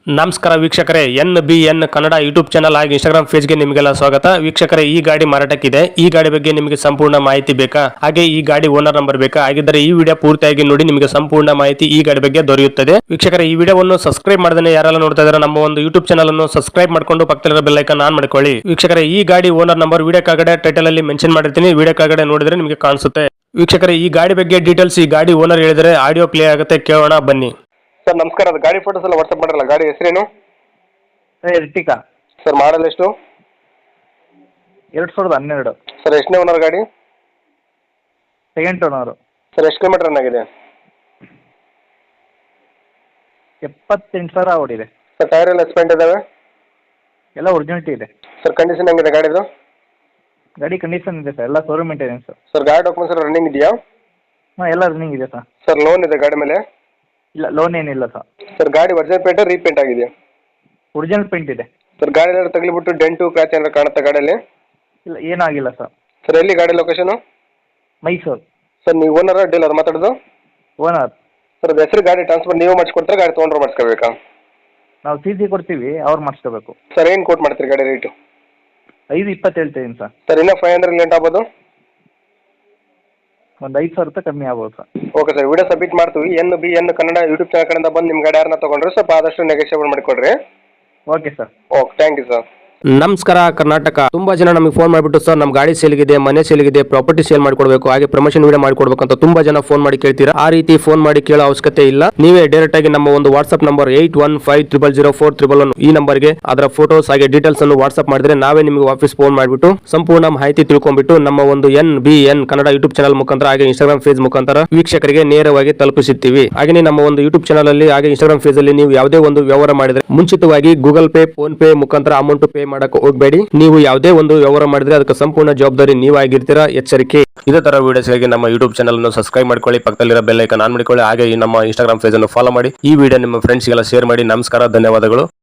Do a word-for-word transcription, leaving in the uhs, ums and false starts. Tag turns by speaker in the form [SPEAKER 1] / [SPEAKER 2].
[SPEAKER 1] ನಮಸ್ಕಾರ ವೀಕ್ಷಕರೇ, N B N Kannada YouTube channel ಹಾಗೂ ಇನ್ಸ್ಟಾಗ್ರಾಮ್ ಪೇಜ್ಗೆ ನಿಮಗೆಲ್ಲ ಸ್ವಾಗತ. ವೀಕ್ಷಕರೇ, ಈ ಗಾಡಿ ಮಾರಾಟಕ್ಕಿದೆ. ಈ ಗಾಡಿ ಬಗ್ಗೆ ನಿಮಗೆ ಸಂಪೂರ್ಣ ಮಾಹಿತಿ ಬೇಕಾ? ಹಾಗೆ ಈ ಗಾಡಿ ಓನರ್ ನಂಬರ್ ಬೇಕಾ? ಹಾಗಿದ್ದರೆ ಈ ವಿಡಿಯೋ ಪೂರ್ತಿಯಾಗಿ ನೋಡಿ, ನಿಮಗೆ ಸಂಪೂರ್ಣ ಮಾಹಿತಿ ಈ ಗಾಡಿ ಬಗ್ಗೆ ದೊರೆಯುತ್ತದೆ. ವೀಕ್ಷಕರೇ, ಈ ವಿಡಿಯೋವನ್ನು ಸಬ್ಸ್ಕ್ರೈಬ್ ಮಾಡದೇ ಯಾರೆಲ್ಲ ನೋಡ್ತಾ ಇದ್ದಾರೆ ನಮ್ಮ ಒಂದು ಯೂಟ್ಯೂಬ್ ಚಾನಲ್ ಅನ್ನು ಸಬ್ಸ್ಕ್ರೈಬ್ ಮಾಡ್ಕೊಂಡು ಪಕ್ಕದಲ್ಲಿರೋ ಬೆಲ್ ಐಕಾನ್ ಆನ್ ಮಾಡ್ಕೊಳ್ಳಿ. ವೀಕ್ಷಕರೇ, ಈ ಗಾಡಿ ಓನರ್ ನಂಬರ್ ವಿಡಿಯೋ ಕೆಳಗಡೆ ಟೈಟಲ್ ಅಲ್ಲಿ ಮೆನ್ಷನ್ ಮಾಡಿರ್ತೀನಿ, ವಿಡಿಯೋ ಕೆಳಗಡೆ ನೋಡಿದ್ರೆ ನಿಮಗೆ ಕಾಣಿಸುತ್ತೆ. ವೀಕ್ಷಕರೇ, ಈ ಗಾಡಿ ಬಗ್ಗೆ ಡೀಟೇಲ್ಸ್ ಈ ಗಾಡಿ ಓನರ್ ಹೇಳಿದರೆ ಆಡಿಯೋ ಪ್ಲೇ ಆಗುತ್ತೆ, ಕೇಳೋಣ ಬನ್ನಿ.
[SPEAKER 2] ಸರ್ ನಮಸ್ಕಾರ, ಅದು ಗಾಡಿ ಫೋಟೋಸ್ ಎಲ್ಲ ವಾಟ್ಸಪ್ ಮಾಡಿರಲ್ಲ, ಗಾಡಿ ಹೆಸರೇನು
[SPEAKER 3] ಎರ್ಟಿಕಾ
[SPEAKER 2] ಸರ್? ಮಾಡಲ್ ಎಷ್ಟು?
[SPEAKER 3] ಎರಡು ಸಾವಿರದ ಹನ್ನೆರಡು
[SPEAKER 2] ಸರ್ ಎಷ್ಟನೇ ಓನರ್ ಗಾಡಿ?
[SPEAKER 3] Second owner.
[SPEAKER 2] ಸರ್ ಎಷ್ಟು ಕಿಲೋಮೀಟರ್ ರನ್ ಆಗಿದೆ?
[SPEAKER 3] ಎಪ್ಪತ್ತೆಂಟು ಸಾವಿರ ಓಡಿದೆ.
[SPEAKER 2] ಸರ್ ಟೈರ್ ಎಲ್ಲ ಎಕ್ಸ್ಪೆಂಟ್ ಇದಾವೆ?
[SPEAKER 3] ಎಲ್ಲ ಒರಿಜಿನಿಟಿ ಇದೆ.
[SPEAKER 2] ಸರ್ ಕಂಡೀಷನ್ ಹೆಂಗಿದೆ ಗಾಡಿದು?
[SPEAKER 3] ಗಾಡಿ ಕಂಡೀಷನ್ ಇದೆ ಸರ್, ಎಲ್ಲ ಶೋರೂಮ್ ಮೇಂಟೆನೆನ್ಸ್.
[SPEAKER 2] ಸರ್ ಗಾಡಿ ಡಾಕ್ಯುಮೆಂಟ್ಸ್ ಎಲ್ಲ ರನ್ನಿಂಗ್ ಇದೆಯಾ?
[SPEAKER 3] ಹಾಂ, ಎಲ್ಲ ರನ್ನಿಂಗ್ ಇದೆ ಸರ್.
[SPEAKER 2] ಸರ್ ಲೋನ್ ಇದೆ ಗಾಡಿ ಮೇಲೆ?
[SPEAKER 3] ಇಲ್ಲ, ಲೋನ್ ಏನಿಲ್ಲ ಸರ್.
[SPEAKER 2] ಸರ್ ಗಾಡಿ ಒರಿಜಿನಲ್ ಪೇಂಟ್ ರೀಪೇಂಟ್ ಆಗಿದೆಯಾ?
[SPEAKER 3] ಒರಿಜಿನಲ್ ಪೇಂಟ್ ಇದೆ.
[SPEAKER 2] ಸರ್ ಗಾಡಿ ಎಲ್ಲ ತಗಲಿಬಿಟ್ಟು ಡೆಂಟು ಕ್ರ್ಯಾಚ್ ಏನಾರು ಕಾಣುತ್ತೆ ಗಾಡಿಯಲ್ಲಿ?
[SPEAKER 3] ಇಲ್ಲ, ಏನಾಗಿಲ್ಲ ಸರ್.
[SPEAKER 2] ಸರ್ ಎಲ್ಲಿ ಗಾಡಿ ಲೊಕೇಶನು?
[SPEAKER 3] ಮೈಸೂರು.
[SPEAKER 2] ಸರ್ ನೀವು ಓನರ್ ಡೀಲರ್ ಮಾತಾಡೋದು?
[SPEAKER 3] ಓನರ್.
[SPEAKER 2] ಸರ್ ಅದು ಹೆಸರು ಗಾಡಿ ಟ್ರಾನ್ಸ್ಫರ್ ನೀವು ಮಾಡಿಸ್ಕೊಡ್ತಾರೆ, ಗಾಡಿ ತೊಗೊಂಡ್ರೆ ಮಾಡಿಸ್ಕೋಬೇಕಾ?
[SPEAKER 3] ನಾವು ಸಿ ಸಿ ಕೊಡ್ತೀವಿ, ಅವ್ರು ಮಾಡಿಸ್ಕೋಬೇಕು.
[SPEAKER 2] ಸರ್ ಏನು ಕೋಟ್ ಮಾಡ್ತೀರಿ ಗಾಡಿ ರೇಟು?
[SPEAKER 3] ಐದು ಇಪ್ಪತ್ತು ಹೇಳ್ತಿದ್ದೀನಿ ಸರ್.
[SPEAKER 2] ಸರ್ ಇನ್ನೂ ಫೈವ್ ಹಂಡ್ರೆಡ್ ಲೇಟ್ ಆಗ್ಬೋದು?
[SPEAKER 3] ಒಂದು ಐದು ಸಾವಿರ ರೂಪಾಯಿ ಕಮ್ಮಿ ಆಗ್ಬೋದು sir.
[SPEAKER 2] Okay sir, video submit ಮಾಡ್ತೀವಿ. N B N Kannada YouTube channel ಕಡೆಯಿಂದ ಬಂದು ನಿಮ್ಮ ಗಾಡಿ ಯಾರನ್ನ ತೊಗೊಂಡ್ರೆ ಸ್ವಲ್ಪ ಆದಷ್ಟು ನೆಗೋಷಿಯೇಬಲ್ ಮಾಡಿಕೊಡ್ರಿ.
[SPEAKER 3] Okay sir.
[SPEAKER 2] Okay, thank you sir.
[SPEAKER 1] ನಮಸ್ಕಾರ ಕರ್ನಾಟಕ. ತುಂಬಾ ಜನ ನಮಗೆ ಫೋನ್ ಮಾಡಿಬಿಟ್ಟು ಸರ್ ನಮ್ಮ ಗಾಡಿ ಸೇಲ್ಗಿದೆ, ಮನೆ ಸೇಲ್ಗಿದೆ, ಪ್ರಾಪರ್ಟಿ ಸೇಲ್ ಮಾಡ್ಕೊಡ್ಬೇಕು, ಹಾಗೆ ಪ್ರಮೋಷನ್ ವಿಡಿಯೋ ಮಾಡ್ಕೊಡ್ಬೇಕು ಅಂತ ತುಂಬಾ ಜನ ಫೋನ್ ಮಾಡಿ ಕೇಳ್ತೀರಾ. ಆ ರೀತಿ ಫೋನ್ ಮಾಡಿ ಕೇಳೋ ಅವಶ್ಯಕತೆ ಇಲ್ಲ. ನೀವೇ ಡೈರೆಕ್ಟ್ ಆಗಿ ನಮ್ಮ ಒಂದು WhatsApp number eight one five triple zero four triple one ಈ ನಂಬರ್ಗೆ ಅದರ ಫೋಟೋಸ್ ಹಾಗೆ ಡೀಟೇಲ್ಸ್ ಅನ್ನು ವಾಟ್ಸ್ಆಪ್ ಮಾಡಿದ್ರೆ ನಾವೇ ನಿಮಗೆ ವಾಪಸ್ ಫೋನ್ ಮಾಡಿಬಿಟ್ಟು ಸಂಪೂರ್ಣ ಮಾಹಿತಿ ತಿಳ್ಕೊಂಡ್ಬಿಟ್ಟು ನಮ್ಮ ಒಂದು N B N Kannada YouTube channel ಮುಖಾಂತರ ಹಾಗೆ ಇನ್ಸ್ಟಾಗ್ರಾಮ್ ಪೇಜ್ ಮುಖಾಂತರ ವೀಕ್ಷಕರಿಗೆ ನೇರವಾಗಿ ತಲುಪಿಸುತ್ತೀವಿ. ಹಾಗೆ ನಮ್ಮ ಒಂದು ಯೂಟ್ಯೂಬ್ ಚಾನಲ್ ಅಲ್ಲಿ ಹಾಗೆ ಇನ್ಸ್ಟಾಗ್ರಾಮ್ ಪೇಜ್ ಅಲ್ಲಿ ನೀವು ಯಾವುದೇ ಒಂದು ವ್ಯವಹಾರ ಮಾಡಿದ್ರೆ ಮುಂಚಿತವಾಗಿ ಗೂಗಲ್ ಪೇ, ಫೋನ್ ಪೇ ಮುಖಾಂತರ ಅಮೌಂಟ್ ಪೇ ಮಾಡಕ್ಕೆ ಹೋಗಬೇಡಿ. ನೀವು ಯಾವುದೇ ಒಂದು ವ್ಯವಹಾರ ಮಾಡಿದ್ರೆ ಅದಕ್ಕೆ ಸಂಪೂರ್ಣ ಜವಾಬ್ದಾರಿ ನೀವಾಗಿರ್ತೀರಾ, ಎಚ್ಚರಿಕೆ. ಇದೇ ತರ ವಿಡಿಯೋಸ್ಗಾಗಿ ನಮ್ಮ ಯೂಟ್ಯೂಬ್ ಚಾನಲ್ ಅನ್ನು ಸಬ್ಸ್ಕ್ರೈಬ್ ಮಾಡ್ಕೊಳ್ಳಿ, ಪಕ್ಕದಲ್ಲಿರೋ ಬೆಲ್ ಐಕಾನ್ ಆನ್ ಮಾಡಿಕೊಳ್ಳಿ, ಹಾಗೆ ಈ ನಮ್ಮ ಇನ್ಸ್ಟಾಗ್ರಾಮ್ ಪೇಜ್ ಅನ್ನು ಫಾಲೋ ಮಾಡಿ. ಈ ವಿಡಿಯೋ ನಿಮ್ಮ ಫ್ರೆಂಡ್ಸ್ಗೆಲ್ಲ ಶೇರ್ ಮಾಡಿ. ನಮಸ್ಕಾರ, ಧನ್ಯವಾದಗಳು.